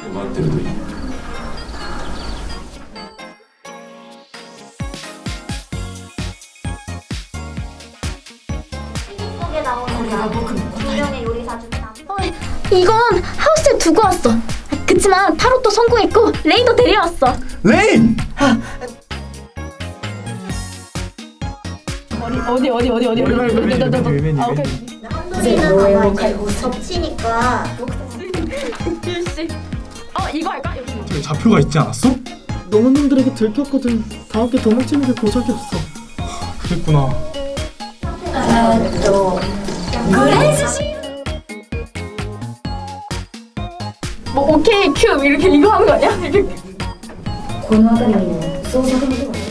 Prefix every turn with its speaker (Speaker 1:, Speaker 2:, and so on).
Speaker 1: 待ってるといい。
Speaker 2: 속에 나오는 유명의 요리사 중 남.
Speaker 3: 이건 하우스에 두고 왔어. 그치만 타로도 성공했고 레이도 데려왔어.
Speaker 4: 레인!
Speaker 3: 어디?
Speaker 2: 한솔이는 봐봐 이제 겹치니까
Speaker 3: 일씨. 이거 할까?
Speaker 4: 저기 좌표가 있지 않았어? 너무님들에게 들켰거든. 다음 게 도망치는 게 고작이었어. 그랬구나.
Speaker 3: 뭐 오케이 큐 이렇게 이거 하는 거 아니야?
Speaker 2: この辺りにも捜索の手が